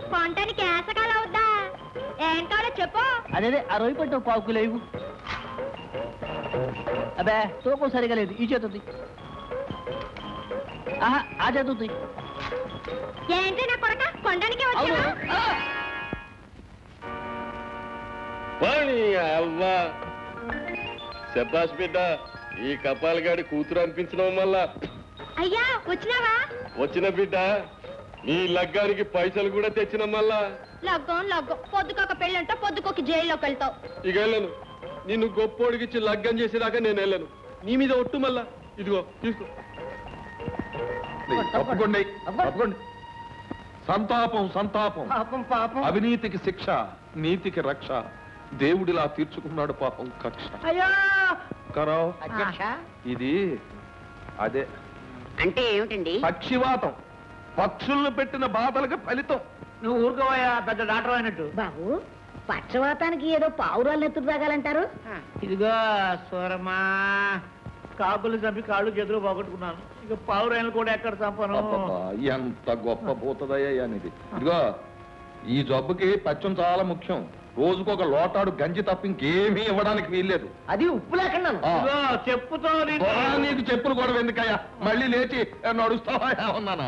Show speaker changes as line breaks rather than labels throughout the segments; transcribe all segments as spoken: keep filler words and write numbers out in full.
కొంటానికి ఏసకాలం అవుద్దా? ఏం కావాలో చెప్పు.
అదే ఆ రొయ్యి పట్టు పావుకు లేవు. అబ్బే తూకం సరిగా లేదు. ఈ చేతుంది. ఆహా ఆ చేతుంది.
ఏంటి నా కొరక కొండానికి వచ్చావా?
అవ్వా శబ్బాష్ బిడ్డ, ఈ కపాలగాడి కూతురు అనిపించడం వల్ల.
అయ్యా వచ్చినావా?
వచ్చిన బిడ్డ, నీ లగ్గానికి పైసలు కూడా తెచ్చిన మళ్ళా.
లగ్గం లగ్గం పొద్దుకొక పెళ్ళంటే పొద్దుకొక జైల్లోకి వెళ్తావు.
ఇక వెళ్ళను. నిన్ను గొప్పోడికిచ్చి లగ్గం చేసేదాకా నేను వెళ్ళను. నీ మీద ఒట్టు మళ్ళా. ఇదిగో తీసుకో.
తప్పకుండా తప్పకుండా. సంతాపం సంతాపం.
పాపం పాపం.
అవినీతికి శిక్ష, నీతికి రక్ష. దేవుడిలా తీర్చుకున్నాడు పాపం కక్ష.
అయ్యో
కరావ్
అధ్యక్ష.
ఇది అదే
అంటే ఏమిటండి?
పక్షివాతం. పక్షుల్ని పెట్టిన బాధలకు ఫలితం.
నువ్వు ఊరుకోవయ్యా, పెద్ద డాక్టర్ అయినట్టు.
బాబు, పక్షవాతానికి ఏదో పావురాలు ఎత్తుకు తాగాలంటారు.
ఇదిగో సూరమ్మా, కాకులు చంపి కాళ్ళు చేతులు పోగొట్టుకున్నాను. ఇక పావురాయలు కూడా ఎక్కడ చంపను.
అబ్బబ్బా, ఎంత గొప్ప పోతుందయ్యా అనేది. ఇదిగో ఈ జబ్బుకి పచ్చం చాలా ముఖ్యం. రోజుకొక లోటాడు గంజి తప్ప ఇంకేమీ ఇవ్వడానికి వీల్లేదు.
అది ఉప్పు లేకుండా. చెప్పుతో
నీకు చెప్పులు కూడా ఎందుకయ్యా? మళ్ళీ లేచి నడుస్తావా ఉన్నానా?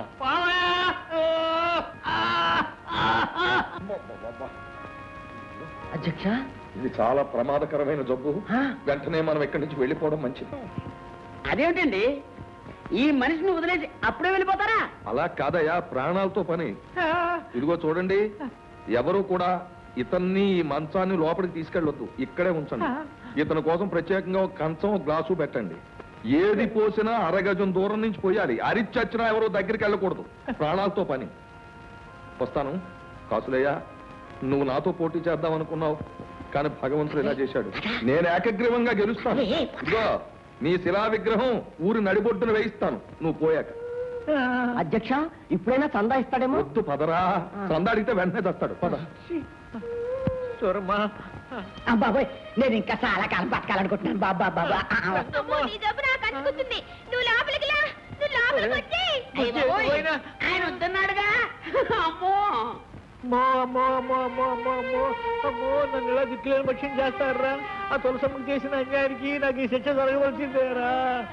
అధ్యక్ష,
ఇది చాలా ప్రమాదకరమైన జబ్బు. వెంటనే మనం ఇక్కడి నుంచి వెళ్ళిపోవడం మంచిది.
అదేమిటండి, ఈ మనిషిని వదిలేసి అప్పుడే వెళ్ళిపోతారా?
అలా కాదయ్యా, ప్రాణాలతో పని. ఇదిగో చూడండి, ఎవరు కూడా ఇతన్ని ఈ మంచాన్ని లోపలికి తీసుకెళ్ళొద్దు. ఇక్కడే ఉంచండి. ఇతని కోసం ప్రత్యేకంగా ఒక కంచం ఒక గ్లాసు పెట్టండి. ఏది పోసినా అరగజం దూరం నుంచి పోయాలి. అరిచచ్చినా ఎవరో దగ్గరికి వెళ్ళకూడదు. ప్రాణాలతో పని. వస్తాను. కాసులయ్యా, నువ్వు నాతో పోటీ చేద్దాం అనుకున్నావు, కానీ భగవంతుడు ఇలా చేశాడు. నేను ఏకగ్రీవంగా గెలుస్తాను. ఇదిగో నీ శిలా విగ్రహం ఊరి నడిబొడ్డున వేయిస్తాను నువ్వు పోయాక.
అధ్యక్ష, ఇప్పుడైనా చందా ఇస్తాడేమో.
వద్దు పదరా. చందా అడిగితే వెంటనే తెస్తాడు. పద.
సూరమ్మా,
బాబాయ్, నేను ఇంకా చాలా కాలం బతకాలనుకుంటున్నాను. బాబా బాబా
అమ్మో, నీ జబ్బు నాకు అంటుకుంటుంది. నువ్వు లోపలికి లా, నువ్వు లోపలికి వచ్చి.
ఆయన వద్దన్నాడుగా. అమ్మో
అమ్మో అమ్మో అమ్మో అమ్మో అమ్మో అమ్మో అమ్మో, నన్ను ఇలా దిక్కులేని పక్షం చేస్తారా? ఆ తులసమ్మకి చేసిన అన్యాయానికి నాకు ఈ శిక్ష జరగవలసిందేరా?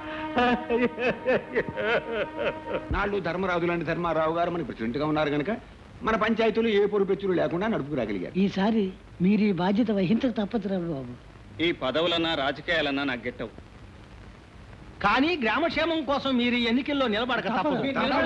నాళ్ళు ధర్మరాజు లాంటి ధర్మారావు గారు మన ప్రెసిడెంట్ గా ఉన్నారు కనుక మన పంచాయతీలు ఏ పొరుపెచ్చులు లేకుండా నడుపుకురాగలిగారు.
ఈసారి మీరు ఈ బాధ్యత వహించక తప్పదురా బాబు.
ఈ పదవులన్నా రాజకీయాలన్నా నాకు గెట్టవు.
కానీ గ్రామక్షేమం కోసం మీరు ఈ ఎన్నికల్లో నిలబడక తప్పదు.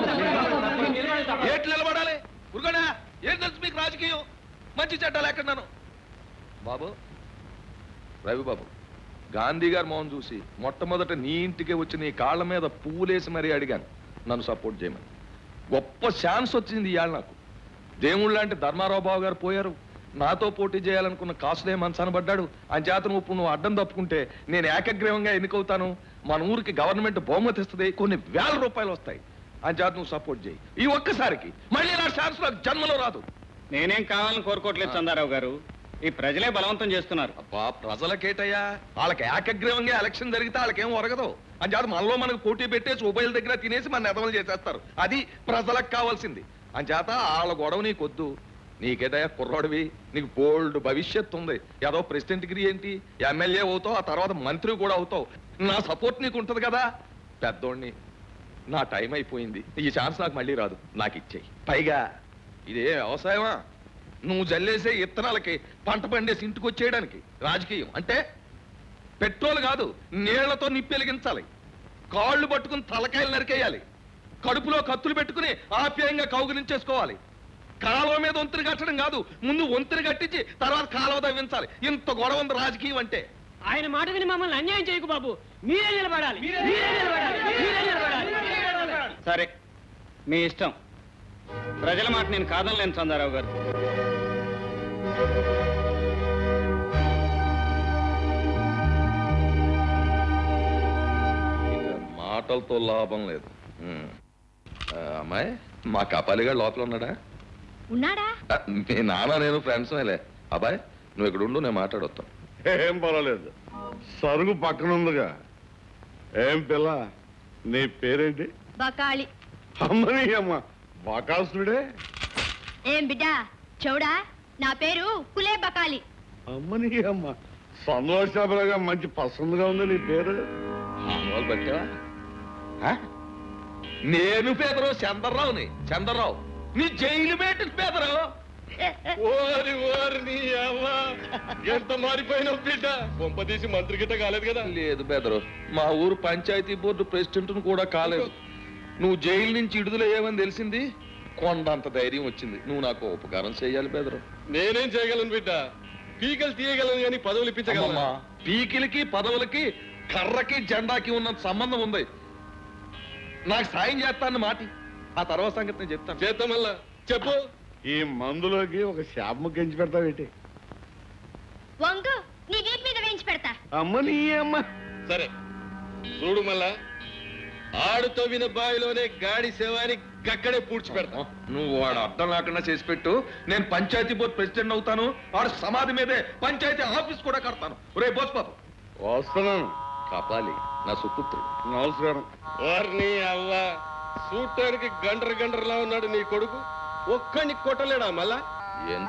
ఏట్లు నిలబడాలి? ఉరుగడా, ఏం తెలుసు మీకు రాజకీయం? మంచి చెడ్డాలు ఎక్కడున్నాను బాబు. రవి బాబు, గాంధీ గారు మోహన్ చూసి మొట్టమొదట నీ ఇంటికి వచ్చి నీ కాళ్ళ మీద పువ్వులేసి మరీ అడిగాను నన్ను సపోర్ట్ చేయమని. గొప్ప ఛాన్స్ వచ్చింది ఇవాళ నాకు. దేవుళ్ళు లాంటి ధర్మారావు బాబు గారు పోయారు. నాతో పోటీ చేయాలనుకున్న కాసులే మనసనబడ్డాడు. అంచేతను ఇప్పుడు నువ్వు అడ్డం తప్పుకుంటే నేను ఏకగ్రీవంగా ఎన్నికవుతాను. మన ఊరికి గవర్నమెంట్ బహుమతి ఇస్తుంది, కొన్ని వేల రూపాయలు వస్తాయి. అంచేత నువ్వు సపోర్ట్ చేయి. ఈ ఒక్కసారికి మళ్ళీ నా ఛాన్స్ నాకు జన్మలో రాదు.
నేనేం కావాలని కోరుకోవట్లేదు చందారావు గారు, ఈ ప్రజలే బలవంతం చేస్తున్నారు.
అబ్బా, ప్రజలకేటయ్యా? వాళ్ళకి ఏకగ్రీవంగా ఎలక్షన్ జరిగితే వాళ్ళకేం ఒరగదు. అంచేత మనలో మనకు పోటీ పెట్టేసి ఉభయల దగ్గర తినేసి మన నెదవలు చేసేస్తారు. అది ప్రజలకు కావాల్సింది. అంచేత వాళ్ళ గొడవ నీకొద్దు. నీకేటయ్యా కుర్రాడివి, నీకు బోల్డ్ భవిష్యత్తు ఉంది. ఏదో ప్రెసిడెంట్ డిగ్రీ ఏంటి, ఎమ్మెల్యే అవుతావు, ఆ తర్వాత మంత్రి కూడా అవుతావు. నా సపోర్ట్ నీకు ఉంటది కదా. పెద్దోడిని, నా టైం అయిపోయింది. ఈ ఛాన్స్ నాకు మళ్ళీ రాదు. నాకు ఇచ్చేయి. పైగా ఇదే వ్యవసాయమా? నువ్వు జల్లేసే ఇత్తనాలకి పంట పండేసి ఇంటికి వచ్చేయడానికి రాజకీయం అంటే పెట్రోల్ కాదు, నీళ్లతో నిప్పెలిగించాలి. కాళ్ళు పట్టుకుని తలకాయలు నరికేయాలి. కడుపులో కత్తులు పెట్టుకుని ఆప్యాయంగా కౌగులించేసుకోవాలి. కాలువ మీద వంతుని కట్టడం కాదు, ముందు వంతుని కట్టించి తర్వాత కాలువ తవ్వించాలి. ఇంత గొడవ ఉంది రాజకీయం అంటే.
ఆయన మాట విని మమ్మల్ని అన్యాయం చేయకు బాబు. మీరే నిలబడాలి.
సరే, మీ ఇష్టం. ప్రజల మాట నేను కాదనలేను చందారావు గారు.
మాటలతో లాభం లేదు. అమ్మాయి, మా కపాలిగా లోపల ఉన్నాడా?
ఉన్నాడా?
మీ నాన్న నేను ఫ్రెండ్స్ మేలే. అబ్బాయి, నువ్వు ఇక్కడ ఉండు, నేను మాట్లాడొస్తాను.
ఏం పర్వాలేదు, సరుగు పక్కన ఉందిగా. ఏం పిల్ల, నీ పేరేంటి?
బకాళి.
అమ్మని అమ్మ, బకాసుడే.
ఏం బిడ్డా చౌడా నా పేరు కులే బకాలి.
అమ్మని అమ్మ సంతోషాలుగా మంచి పసందుగా ఉంది నీ పేరు.
మామూలు పట్టావా ఆ? నేను పేదరావు చంద్రరావుని చంద్రరావు నీ జైలు పెట్టిన పేదరావు.
ఓరి ఓరి నీ అవ్వ ఎంత మారిపోయినావు బిడ్డ. కొంపదీసి మంత్రి గిట్ట కాలేదు కదా?
లేదు పేదరావు, మా ఊరు పంచాయతీ బోర్డు ప్రెసిడెంట్ కూడా కాలేదు. నువ్వు జైలు నుంచి విడుదలయ్యావని తెలిసింది, కొండంత ధైర్యం వచ్చింది. నువ్వు నాకు ఉపకారం చేయాలి పేదరావు.
నేనేం చేయగలను బిడ్డ? పీకలు తీయగలను కానీ పదవులు ఇప్పించగలను.
అమ్మమ్మా, పీకిలకి పదవులకి కర్రకి జెండాకి ఉన్నంత సంబంధం ఉంది. నాకు సాయం చేస్తాను మాటి, ఆ తర్వాత సంగతి నేను చెప్తాను.
చేద్దాం మళ్ళా చెప్పు.
ఈ మందులోకి ఒక శాపము గెంచి పెడతావేటి?
వంగు నీ వీపు మీద వేయించి పెడతా.
అమ్మని అమ్మ.
సరే చూడు మళ్ళా, ఆడు తవ్విన బావిలోనే గాడి సేవాని గక్కడే పూడ్చి పెడతా.
నువ్వు వాడు అర్థం లేకుండా చేసి పెట్టు. నేను పంచాయతీ బోర్డు ప్రెసిడెంట్ అవుతాను. వాడు సమాధి మీదే పంచాయతీ ఆఫీస్ కూడా కడతాను. రే బోస్ పాప
వస్తున్నాను.
కాపాలి నా సుపుత్రుడు.
నమస్కారం.
వారిని అవ్వ చూడటానికి గండ్ర గండ్రలా ఉన్నాడు నీ కొడుకు. ఒక్కడిని కొట్టలేడా మళ్ళా?
ఎందుకు